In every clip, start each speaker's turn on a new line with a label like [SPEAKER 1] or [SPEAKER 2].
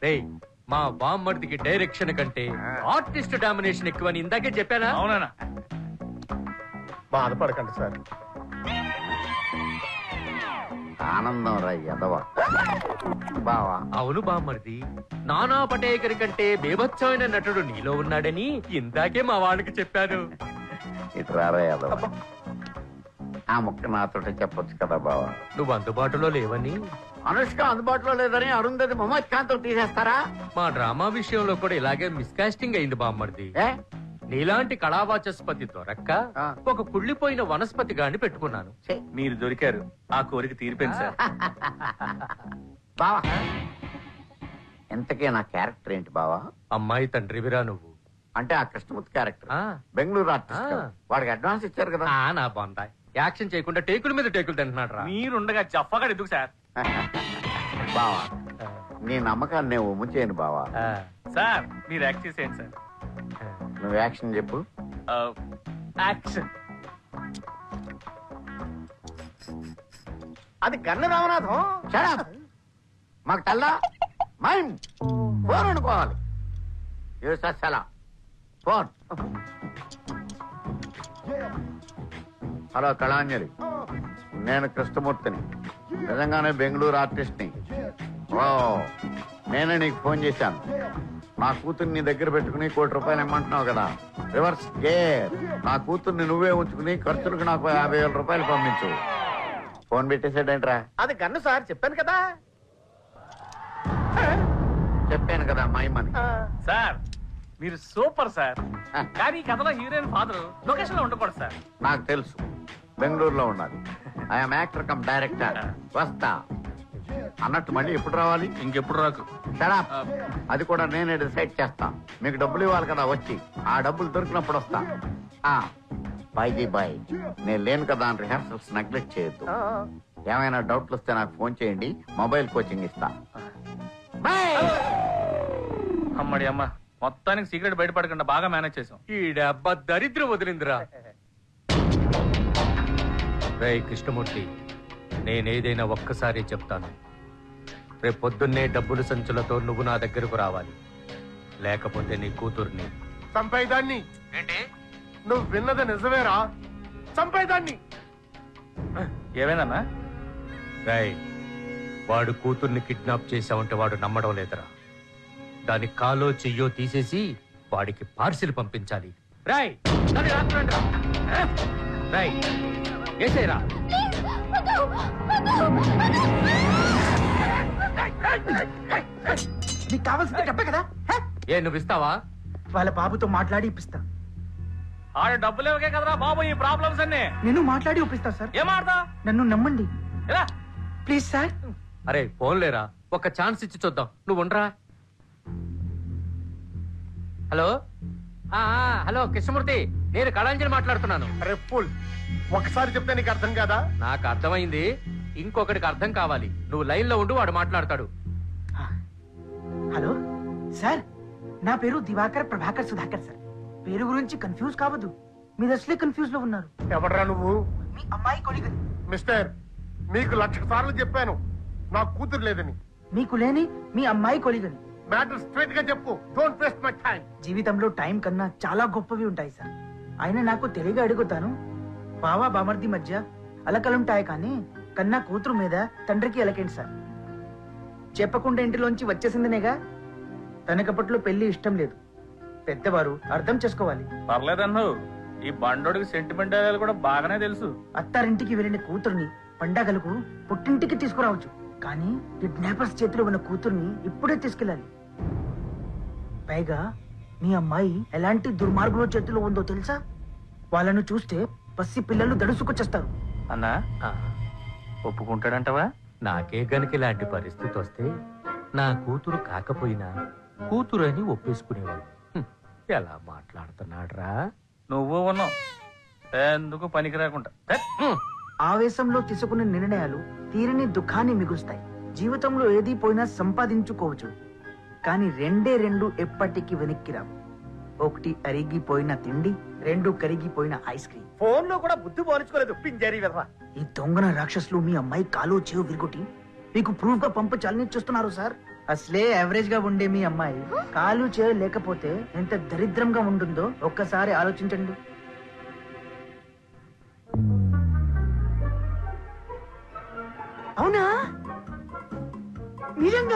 [SPEAKER 1] రేయ్ మా బామ్మర్దికి డైరెక్షన్ కంటే ఆర్టిస్ట్ డామినేషన్ ఎక్కువని ఇందాకే చెప్పానా?
[SPEAKER 2] అవునా?
[SPEAKER 3] బాధపడకండి సార్.
[SPEAKER 4] ఆనందం రా ఎదవ బావా.
[SPEAKER 1] అవును బామ్మర్ది, నానా పటేకర్ కంటే బేభత్సమైన నటుడు నీలో ఉన్నాడని ఇందాకే మా వాళ్ళకి చెప్పాను.
[SPEAKER 4] ఇటు రారా ఎదవ. ఆ ముక్క నాతో చెప్పొచ్చు కదా బావా.
[SPEAKER 1] నువ్వు అందుబాటులో లేవని.
[SPEAKER 4] అనుష్క అందుబాటులో లేదని అరుంధతి మొహమ్మద్ ఖాన్ తో తీసేస్తారా?
[SPEAKER 1] మా డ్రామా విషయంలో కూడా ఇలాగే మిస్కాస్టింగ్ అయింది బామ్మర్ది.
[SPEAKER 4] ఏ
[SPEAKER 1] నీలాంటి కళావాచస్పతి దొరక్క ఒక కుళ్ళిపోయిన వనస్పతి గాని పెట్టుకున్నాను.
[SPEAKER 2] మీరు దొరికారు, ఆ కోరిక తీరిపోయింది సార్.
[SPEAKER 4] బావా ఇంతకే నా క్యారెక్టర్ ఏంటి బావా?
[SPEAKER 1] అమ్మాయి తండ్రివిరా నువ్వు.
[SPEAKER 4] అంటే ఆ కృష్ణమూర్తి క్యారెక్టర్
[SPEAKER 1] ఆ.
[SPEAKER 4] బెంగళూరు ఆర్టిస్ట్ కదా. వాడికి అడ్వాన్స్ ఇచ్చారు కదా.
[SPEAKER 1] నా బాందా యాక్షన్ చేయకుండా టేకుల మీద టేకులు తింటున్నాడు రా.
[SPEAKER 2] మీరుండగా జఫాగా ఎందుకు సార్?
[SPEAKER 4] బావా నీ నమ్మకాన్ని నేను ఉమ్ము చేయను బావా.
[SPEAKER 2] సార్ మీరు యాక్ట్ చేసేయండి సార్.
[SPEAKER 4] నువ్వు యాక్షన్ చెప్పు.
[SPEAKER 2] యాక్షన్.
[SPEAKER 3] అది గన్న రామనాథం.
[SPEAKER 4] Shut up. మాకు తెల్లా మైండ్ ఫోన్ అనుకోవాలి. ఫోన్. హలో కళాంజలి, నేను కృష్ణమూర్తిని, నిజంగానే బెంగళూరు ఆర్టిస్ట్ ని. ఓ నేనే నీకు ఫోన్ చేశాను. నా కూతుర్ని దగ్గర పెట్టుకుని ₹1,00,00,000 ఇమ్మంటున్నావు కదా. Reverse gear. నా కూతుర్ని నువ్వే ఉంచుకుని ఖర్చులకు నాకు ₹50,000 పంపించు. ఫోన్ పెట్టేసాడేంట్రా?
[SPEAKER 3] అది గన్ను సార్, చెప్పాను కదా.
[SPEAKER 4] చెప్పాను కదా మైమని.
[SPEAKER 2] సార్ మీరు సూపర్ సార్. కానీ ఈ కథలో హీరోయిన్ ఫాదర్ లొకేషన్ లో ఉండకూడదు సార్.
[SPEAKER 4] నాకు తెలుసు, బెంగళూరులో ఉండాలి. I'm actor cum director. వస్తా అన్నట్టు మళ్ళీ ఎప్పుడు రావాలి?
[SPEAKER 2] ఇంకెప్పుడు రాకు.
[SPEAKER 4] సరే అది కూడా నేనే డిసైడ్ చేస్తా. మీకు డబ్బులు ఇవ్వాలి కదా, వచ్చి ఆ డబ్బులు దొరికినప్పుడు వస్తా. బాయ్జీ బాయ్, నేను లేను కదా అని రిహార్సల్స్ నెగ్లెక్ట్ చేయొద్దు. ఏమైనా డౌట్లు వస్తే నాకు ఫోన్ చేయండి, మొబైల్ కోచింగ్ ఇస్తా.
[SPEAKER 2] అమ్మడి అమ్మ, మొత్తానికి సీక్రెట్ బయటపడకుండా బాగా మేనేజ్ చేసాం.
[SPEAKER 1] ఈ డబ్బా దరిద్రం వదిలిందిరా. రేయ్ కృష్ణమూర్తి, నేనేదైనా ఒక్కసారి చెప్తాను. రేపు పొద్దున్నే డబ్బులు సంచులతో నువ్వు నా దగ్గరకు రావాలి, లేకపోతే నీ కూతుర్ని
[SPEAKER 3] చంపేదాన్ని.
[SPEAKER 1] ఏంటి
[SPEAKER 3] నువ్వు విన్నది నిజమేరా? చంపేదాన్ని.
[SPEAKER 2] ఏమైందన్నా?
[SPEAKER 1] రాయ్, వాడు కూతుర్ని కిడ్నాప్ చేశావంటే వాడు నమ్మడం లేదురా. దాని కాలో చెయ్యో తీసేసి వాడికి పార్సిల్ పంపించాలి. రాయ్ రాయ్ ఏసేరా.
[SPEAKER 5] నీకు కావాల్సింది డబ్బే కదా.
[SPEAKER 1] ఏ నువ్వు ఇస్తావా?
[SPEAKER 5] వాళ్ళ బాబుతో మాట్లాడి ఇప్పిస్తా.
[SPEAKER 2] ఆడ డబ్బులు ఇవ్వకే కదరా బాబు ఈ ప్రాబ్లమ్స్ అన్ని.
[SPEAKER 5] నేను మాట్లాడి ఒప్పిస్తా సార్.
[SPEAKER 2] ఏం ఆడతా?
[SPEAKER 5] నన్ను నమ్మండి
[SPEAKER 2] ఎలా?
[SPEAKER 5] Please sir.
[SPEAKER 1] అరే ఫోన్ లేరా, ఒక ఛాన్స్ ఇచ్చి చూద్దాం. నువ్వు ఉండరా. హలో హలో కృష్ణమూర్తి, నేను కళాంజలి మాట్లాడుతున్నాను.
[SPEAKER 3] అరే ఫుల్, ఒకసారి చెప్తే నీకు అర్థం కాదా?
[SPEAKER 1] నాకు అర్థమైంది, ఇంకొకటికి అర్థం కావాలి. నువ్వు లైన్ లో ఉండు, వాడు మాట్లాడతాడు.
[SPEAKER 5] హలో సార్, నా పేరు దివాకర్ ప్రభాకర్ సుధాకర్ సార్. పేరు గురించి కన్ఫ్యూజ్ కావద్దు, మీరు అసలే కన్ఫ్యూజ్ లో ఉన్నారు.
[SPEAKER 3] ఎవడరా నువ్వు?
[SPEAKER 5] మీ అమ్మాయి కొలిగని.
[SPEAKER 3] మిస్టర్, మీకు 1,00,000 సార్లు చెప్పాను నాకు కూతురు లేదని.
[SPEAKER 5] మీకు లేని మీ అమ్మాయి కొలిగని.
[SPEAKER 3] మ్యాటర్ స్ట్రైట్ గా చెప్పు. Don't waste my time.
[SPEAKER 5] జీవితంలో టైం కన్నా చాలా గొప్పవి ఉంటాయి సార్. ఆయన నాకు తెలియగా అడుగుతాను, బావా బామర్ది మధ్య అలకలుంటాయి కానీ కన్నా కూతురు మీద తండ్రికి అలకేంటి సార్. చెప్పకుండా ఇంటిలోంచి వచ్చేసిందనేగా. తనకప్పట్లో పెళ్లి ఇష్టం లేదు. పెద్దవారు అర్థం చేసుకోవాలి.
[SPEAKER 2] పర్లేదన్ను, ఈ బండోడికి సెంటిమెంట్ కూడా బాగానే తెలుసు.
[SPEAKER 5] అత్తారింటికి వెళ్ళిన కూతుర్ని పండగలకు పుట్టింటికి తీసుకురావచ్చు, కానీ కిడ్నాపర్స్ చేతిలో ఉన్న కూతుర్ని ఇప్పుడే తీసుకెళ్ళాలి. పైగా మీ అమ్మాయి ఎలాంటి దుర్మార్గుల చేతిలో ఉందో తెలుసా? వాళ్ళను చూస్తే పసి పిల్లలు దడుసుకొచ్చేస్తారు.
[SPEAKER 2] అన్నా ఒప్పుకుంటాడంటవా?
[SPEAKER 1] నాకే గనుక ఇలాంటి పరిస్థితి వస్తే నా కూతురు కాకపోయినా కూతురు అని ఒప్పేసుకునేవాడు. ఎలా మాట్లాడుతున్నాడ్రా.
[SPEAKER 2] నువ్వు ఉన్నావు ఎందుకు పనికి రాకుండా.
[SPEAKER 5] ఆవేశంలో తీసుకునే నిర్ణయాలు తీరని దుఃఖాన్ని మిగులుస్తాయి. జీవితంలో ఏది పోయినా సంపాదించుకోవచ్చు, కానీ రెండు ఎప్పటికీ వెనక్కి రావు. ఒకటి అరిగిపోయిన తిండి, 2 కరిగిపోయిన ఐస్ క్రీమ్.
[SPEAKER 3] ఫోన్ లో కూడా బుద్ధి పోల్చుకోలేదు పింజారీ వెధవ.
[SPEAKER 5] ఈ దొంగన రాక్షసులు మీ అమ్మాయి కాలు చెవు విరుగుటి మీకు ప్రూఫ్ గా పంపించాలని చూస్తున్నారు సార్. అసలే యావరేజ్ గా ఉండే మీ అమ్మాయి కాలు చేలు లేకపోతే ఎంత దరిద్రంగా ఉంటుందో ఒక్కసారి ఆలోచించండి. అవునా నిజంగా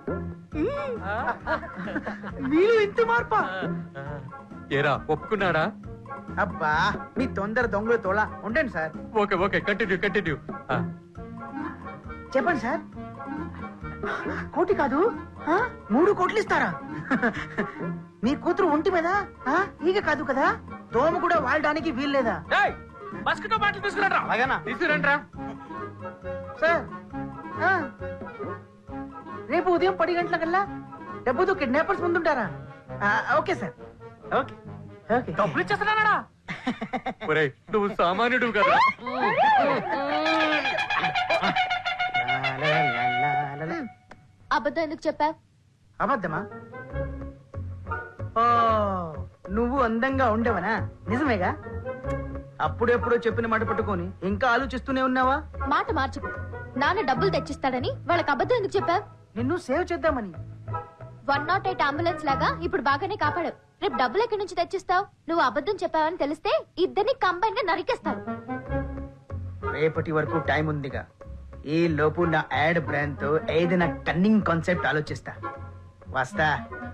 [SPEAKER 5] మీరు ఇంత మార్పా?
[SPEAKER 1] ఏరా ఒప్పుకున్నాడా?
[SPEAKER 5] అబ్బా మీ తొందర దొంగలు తోలా ఉండండి sir.
[SPEAKER 1] Okay okay continue continue.
[SPEAKER 5] చెప్పండి సార్. కోటి కాదు 3 కోట్లు ఇస్తారా? మీ కూతురు ఒంటి మీద ఈగ కాదు కదా, దోమ కూడా వాడడానికి వీల్లేదా?
[SPEAKER 2] మస్కిటో బాటిల్ తీసుకురండి. అలాగేనా?
[SPEAKER 1] తీసుకురండి.
[SPEAKER 5] సార్ రేపు ఉదయం 10 గంటలకల్లా డబ్బుతో కిడ్నాపర్స్ ముందుంటారా? Okay sir. Okay okay.
[SPEAKER 2] డబ్బులు ఇచ్చేస్తున్నాడా?
[SPEAKER 1] ఒరేయ్ నువ్వు సామాన్యుడు కదా.
[SPEAKER 6] అబద్ధం ఎందుకు చెప్పావు?
[SPEAKER 5] అబద్ధమా? ఓ నువ్వు అందంగా ఉండవనా? నిజమేగా? అప్పుడెప్పుడో చెప్పిన మాట పట్టుకొని ఇంకా ఆలోచిస్తూనే ఉన్నావా?
[SPEAKER 6] మాట మార్చుకు. నాన్న డబ్బులు తెచ్చిస్తాడని వాళ్ళకి అబద్ధం ఎందుకు చెప్పావు?
[SPEAKER 5] నిన్ను సేవ్ చేద్దామని.
[SPEAKER 6] 108 అంబులెన్స్ లాగా ఇప్పుడు బాగానే కాపాడావు. రేపు డబ్బులు ఎక్కడి నుంచి తెచ్చిస్తావు? నువ్వు అబద్ధం చెప్పావని తెలిస్తే ఇద్దరిని కంబైన్ గా నరికేస్తావు.
[SPEAKER 5] రేపటి వరకు టైం ఉందిగా. ఈ లోపు నా యాడ్ బ్రాండ్ తో ఏదైనా కన్నింగ్ కాన్సెప్ట్ ఆలోచిస్తా. వస్తా.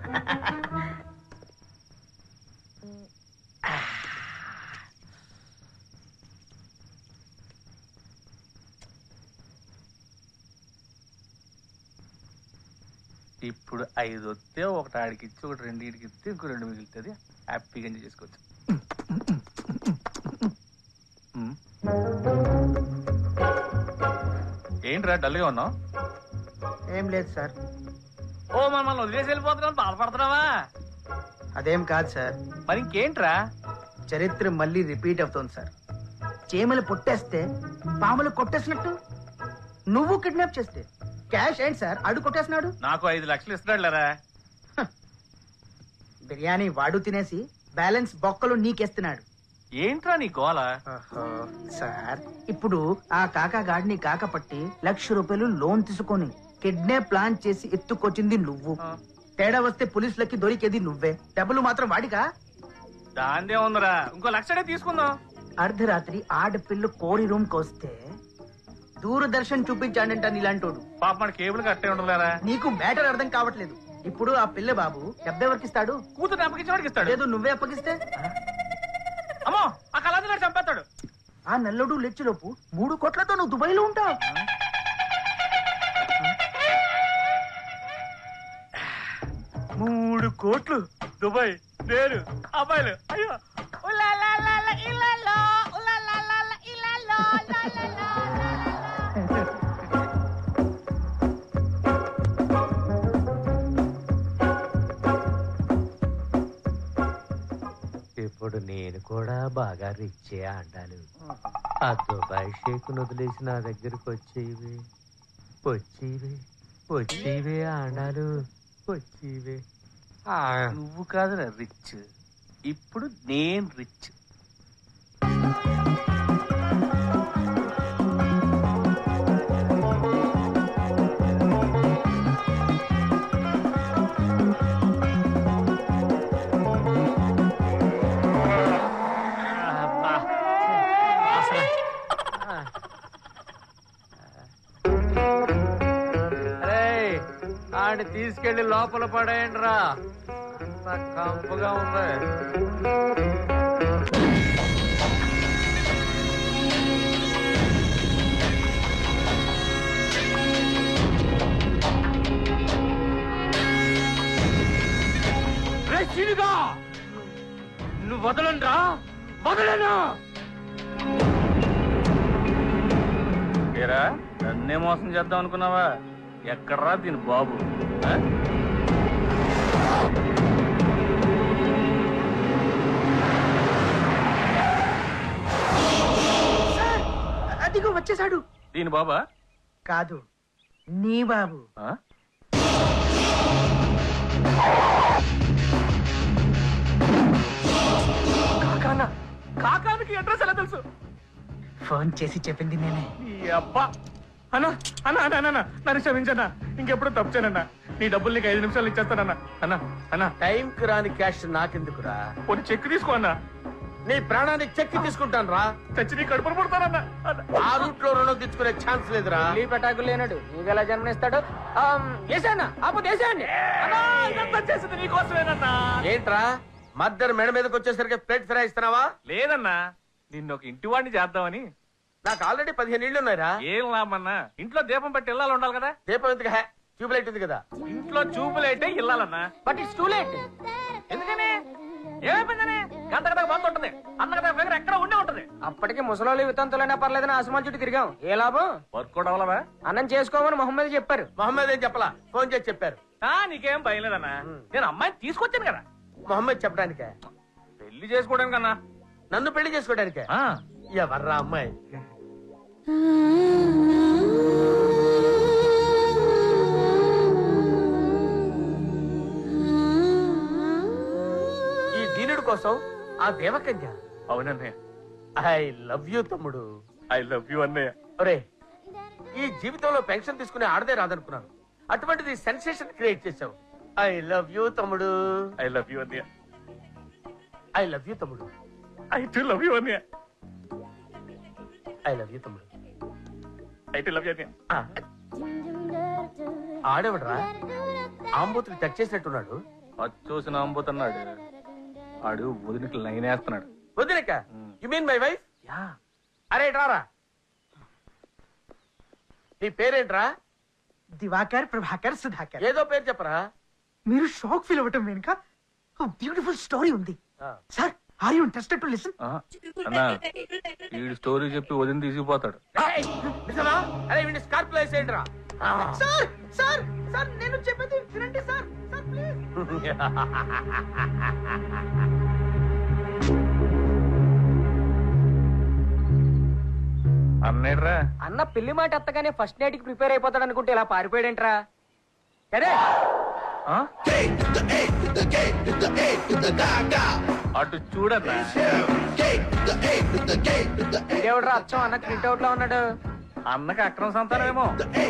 [SPEAKER 2] ఇప్పుడు 5 వస్తే ఒకటి ఆడికి ఇచ్చి ఒకటి 2 ఇడికి ఇస్తే ఇంకో 2 మిగులుతుంది. హ్యాపీగా ఎంజాయ్ చేసుకోవచ్చు. ఏంట్రా డల్గా ఉన్నావు?
[SPEAKER 5] ఏం లేదు సార్.
[SPEAKER 2] ఓ మనల్ని వదిలేసి వెళ్ళిపోతున్నావు, బాధపడుతున్నావా?
[SPEAKER 5] అదేం కాదు సార్.
[SPEAKER 2] మరి ఇంకేంట్రా?
[SPEAKER 5] చరిత్ర మళ్ళీ రిపీట్ అవుతోంది సార్. చీమలు పొట్టేస్తే పాములు కొట్టేసినట్టు నువ్వు కిడ్నాప్ చేస్తే క్యాష్ ఏంటి సార్ అడు కొట్టేసినాడు.
[SPEAKER 2] నాకు 5 లక్షలు ఇస్తున్నాడు లేరా?
[SPEAKER 5] బిర్యానీ వాడు తినేసి బ్యాలెన్స్ బొక్కలు నీకేస్తున్నాడు.
[SPEAKER 2] ఏంట్రా నీ గోల?
[SPEAKER 5] సార్ ఇప్పుడు ఆ కాకా గాడిని కాకపట్టి ₹1,00,000 లోన్ తీసుకొని కిడ్నాప్ ప్లాన్ చేసి ఎత్తుకొచ్చింది నువ్వు. తేడా వస్తే పోలీసులకి దొరికేది నువ్వే. డబ్బులు మాత్రం వాడిగా.
[SPEAKER 2] దాందే ఉందిరా, ఇంకో 1,00,000 తీసుకుందాం.
[SPEAKER 5] అర్ధరాత్రి ఆడపిల్లు కోరి రూమ్ కొస్తే దూరదర్శన్ చూపించాడంట నీలాంటోడు.
[SPEAKER 2] పాప మన కేబుల్ కట్టే ఉండలేరా?
[SPEAKER 5] నీకు మ్యాటర్ అర్థం కావట్లేదు. ఇప్పుడు ఆ పిల్ల బాబు డబ్బు ఎవరికి ఇస్తాడు?
[SPEAKER 2] కూతురు అప్పగించేవాడికి ఇస్తాడు.
[SPEAKER 5] లేదు నువ్వే అప్పగిస్తే?
[SPEAKER 2] అమ్మో ఆ కళాది గారు చంపేస్తాడు.
[SPEAKER 5] ఆ నల్లుడు లెచ్చులోపు 3 కోట్లతో నువ్వు దుబాయ్ లో ఉంటావు.
[SPEAKER 2] 3 కోట్లు దుబాయ్, నేను అబ్బాయిలు. అయ్యో
[SPEAKER 1] ఇప్పుడు నేను కూడా బాగా రిచ్చే అంటాను. ఆ దుబాయ్ షేక్ వదిలేసి నా దగ్గరకు వచ్చేవి వచ్చేవి వచ్చేవి ఆడాలు వచ్చేవి.
[SPEAKER 2] నువ్వు కాదురా రిచ్, ఇప్పుడు నేను రిచ్.
[SPEAKER 1] ఆడి తీసుకెళ్లి లోపల పడేయండి రా, కంపుగా ఉంది. నువ్వు వదలండి రా, వదలను.
[SPEAKER 2] ఏరా నన్నే మోసం చేద్దాం అనుకున్నావా? ఎక్కడ్రా దీని బాబు?
[SPEAKER 5] అదిగో వచ్చేసాడు.
[SPEAKER 2] దీని బాబా?
[SPEAKER 5] కాదు నీ బాబు.
[SPEAKER 2] కాకానా? కాకానికి అడ్రస్ ఎలా తెలుసు?
[SPEAKER 5] ఫోన్ చేసి చెప్పింది నేనే.
[SPEAKER 2] అబ్బా అన్నా అన్నా అన్నా అన్నా నన్ను క్షమించన్నా, ఇంకెప్పుడు తప్పు చేయనన్నా. నీ డబ్బులు నీకు 5 నిమిషాలు ఇచ్చేస్తానన్నా. అన్నా అన్నా
[SPEAKER 7] టైంకి రాని క్యాష్ నాకెందుకురా?
[SPEAKER 2] కొన్ని చెక్ తీసుకో అన్నా.
[SPEAKER 7] నీ ప్రాణానికి చెక్కి తీసుకుంటాను రా.
[SPEAKER 2] చచ్చి నీ కడుపును పుడతానన్నా.
[SPEAKER 7] ఆ రూట్ లో రుణం తెచ్చుకునే ఛాన్స్ లేదురా.
[SPEAKER 8] పెటాకులు లేనాడు నీకు ఎలా జన్మనిస్తాడు? వేసానా ఆపో వేసాయండి.
[SPEAKER 2] అన్నా, ఇదంతా చేసింది నీకోసమేనన్నా.
[SPEAKER 7] ఏంట్రా మద్దరు మెడ మీదకి వచ్చేసరికి ప్లేట్ ఫ్రై ఇస్తున్నావా?
[SPEAKER 2] లేదన్నా, నిన్ను ఒక ఇంటి వాడిని చేద్దామని.
[SPEAKER 7] నాకు ఆల్రెడీ 15 ఇళ్ళు ఉన్నాయిరా.
[SPEAKER 2] ఏం లాభమన్నా, ఇంట్లో దీపం పెట్టి ఇల్లాలు ఉండాలి కదా.
[SPEAKER 7] దీపం ఎందుకు? ట్యూబ్ లైట్ ఉంది కదా.
[SPEAKER 2] ఇంట్లో చూపులైతే ఇల్లాలన్నా.
[SPEAKER 8] But it's too late.
[SPEAKER 2] ఎందుకని? ఏమైపోయిందని? గంట గంట బంద్ ఉంటుంది, అన్న గంట దగ్గర ఎక్కడ ఉండే ఉంటది.
[SPEAKER 8] అప్పటికి ముసలోళ్ళు వితంతులైనా పర్లేదని ఆసమాన్ చుట్టూ తిరిగాం. ఏ లాభం?
[SPEAKER 2] వర్క్ కూడా అవ్వలవా?
[SPEAKER 8] అన్నం చేసుకోమని మొహమ్మద్ చెప్పారు.
[SPEAKER 7] మొహమ్మద్ ఏం చెప్పలా, ఫోన్ చేసి చెప్పారు.
[SPEAKER 2] నీకేం భయం లేదన్నా, నేను అమ్మాయిని తీసుకొచ్చాను కదా.
[SPEAKER 7] మొహమ్మద్ చెప్పడానికే?
[SPEAKER 2] పెళ్లి చేసుకోవడానికన్నా.
[SPEAKER 7] నన్ను పెళ్లి చేసుకోవడానికే? ఎవర్రా అమ్మాయి? ఈ దీనుడి కోసం ఆ దేవకన్య?
[SPEAKER 2] అవునన్నయ్య.
[SPEAKER 7] ఐ లవ్ యూ తమ్ముడు.
[SPEAKER 2] ఐ లవ్ యూ అన్నయ్య.
[SPEAKER 7] ఒరే, ఈ జీవితంలో పెన్షన్ తీసుకునే ఆడదే రాదనుకున్నాను, అటువంటిది సెన్సేషన్ క్రియేట్ చేశావు. ఐ లవ్ యూ తమ్ముడు.
[SPEAKER 2] ఐ లవ్ యూ అన్నయ్య.
[SPEAKER 7] ఐ లవ్ యూ తమ్ముడు.
[SPEAKER 2] ఐ టు లవ్ యూ అన్నయ్య.
[SPEAKER 7] ఐ లవ్ యూ తమ్ముడు.
[SPEAKER 2] ఐ టు లవ్ యూ అన్నయ్య.
[SPEAKER 7] ఆడేవడరా ఆంబోతులు టచ్ చేసినట్టున్నాడు.
[SPEAKER 2] చూసిన అంబోతున్నాడు ఆడు. వదిలికి లైన్ వేస్తున్నాడు.
[SPEAKER 7] వదిలేక? You mean my wife?
[SPEAKER 2] Yeah.
[SPEAKER 7] అరే రారా, నీ పేరేంట్రా?
[SPEAKER 5] దివాకర్, ప్రభాకర్, సుధాకర్.
[SPEAKER 7] ఏదో పేరు చెప్పరా.
[SPEAKER 5] మీరు షాక్ ఫీల్ అవ్వటం వెనుక బ్యూటిఫుల్ స్టోరీ ఉంది sir. Are you interested to listen?
[SPEAKER 2] అన్నా, వీడు స్టోరీ చెప్పి వదిలి తీసుకుపోతాడు.
[SPEAKER 7] ఏయ్, నిజమా? అరే వీడిని స్కార్పియో వేసేయండిరా.
[SPEAKER 5] సార్ సార్ సార్ నేను చెప్పేది వినండి సార్. Sir please.
[SPEAKER 2] అన్నయ్యరా.
[SPEAKER 8] అన్న పెళ్లి మాట ఎత్తగానే ఫస్ట్ నైట్ కి ప్రిపేర్ అయిపోతాడు అనుకుంటే ఇలా పారిపోయాడేంట్రా? అరే
[SPEAKER 2] అటు చూడన్నా.
[SPEAKER 8] ఇదేవిడ్రా అచ్చం అన్న ప్రింట్ అవుట్ లో ఉన్నాడు.
[SPEAKER 2] అన్నకి అక్రమ సంతానమేమో.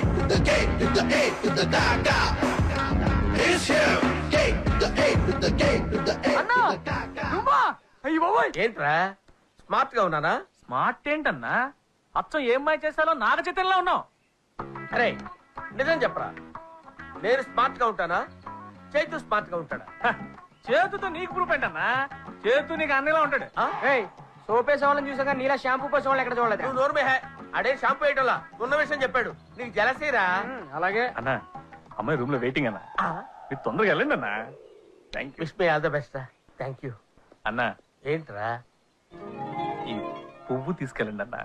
[SPEAKER 8] అన్నా నువ్వా?
[SPEAKER 2] అయ్యి బాబోయ్,
[SPEAKER 7] ఏంట్రా స్మార్ట్ గా ఉన్నానా?
[SPEAKER 2] స్మార్ట్ ఏంటన్నా? అచ్చం ఏం మాయ చేశాలో నాగ చిత్రంలో ఉన్నావు.
[SPEAKER 7] అరే నిజం చెప్పరా, నేను స్మార్ట్ గా ఉంటానా? చైతు స్మార్ట్ గా ఉంటాడా?
[SPEAKER 2] హ, చేతుతో నీకు ప్రూఫ్ ఏంటన్నా? చేతు నీకు అన్నలా ఉంటాడు.
[SPEAKER 7] ఆ?
[SPEAKER 8] ఏయ్ సోపేసే వాళ్ళని చూసాక నీలా షాంపూ పోసే వాళ్ళు ఎక్కడ చూడలేదు.
[SPEAKER 7] నువ్వు నోర్మే హే. అడే షాంపూ వేయటంలా ఉన్న విషయం చెప్పాడు. నీకు జలసీరా?
[SPEAKER 8] అలాగే
[SPEAKER 2] అన్నా, అమ్మాయి రూమ్ లో వెయిటింగ్ అన్నా. మీరు తొందరగా వెళ్ళండి అన్నా. Thank you.
[SPEAKER 7] Wish me all the best. Thank you.
[SPEAKER 2] అన్నా,
[SPEAKER 7] ఏంట్రా?
[SPEAKER 2] ఈ పువ్వు తీసుకెళ్ళండి అన్నా.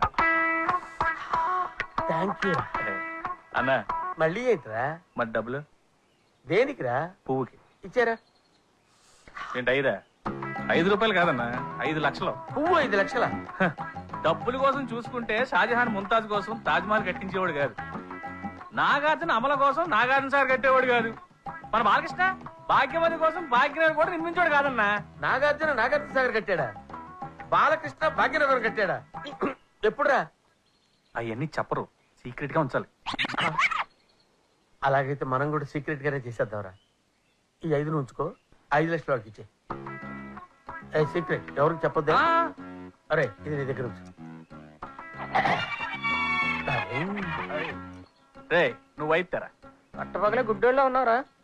[SPEAKER 7] Thank you.
[SPEAKER 2] అన్నా,
[SPEAKER 7] మళ్ళీ ఏంట్రా?
[SPEAKER 2] మరి డబ్బులు?
[SPEAKER 7] దేనికిరా?
[SPEAKER 2] పువ్వుకి.
[SPEAKER 7] ఇచ్చారా?
[SPEAKER 2] ఏంటి 5 రూపాయలు కాదన్నా, 5 లక్షలు.
[SPEAKER 7] పువ్వు 5 లక్షల?
[SPEAKER 2] హ, డబ్బుల కోసం చూసుకుంటే షాజహాన్ ముంతాజ్ కోసం తాజ్ మహల్ కట్టించేవాడు కాదు. నాగార్జున అమల కోసం నాగార్జున సార్ కట్టేవాడు కాదు. మన బాలకృష్ణ భాగ్యవతి కోసం భాగ్యనగర్ కూడా నిర్మించాడు కాదన్నా.
[SPEAKER 7] నాగార్జున నాగార్జున సాగర్ కట్టాడా? బాలకృష్ణ భాగ్యనగర్ కట్టాడా? ఎప్పుడురా?
[SPEAKER 2] అవన్నీ చెప్పరు, సీక్రెట్ గా ఉంచాలి.
[SPEAKER 7] అలాగైతే మనం కూడా సీక్రెట్ గానే చేసేద్దాంరా. ఈ 5 ఉంచుకో, 5 లక్షల వాడికి ఇచ్చే. సీక్రెట్ ఎవరికి చెప్పొద్దు. అరే ఇది నీ దగ్గర ఉంచు.
[SPEAKER 2] రే నువ్వు అయితారా?
[SPEAKER 8] పట్టపగలే గుడ్డోళ్ళలో ఉన్నారా?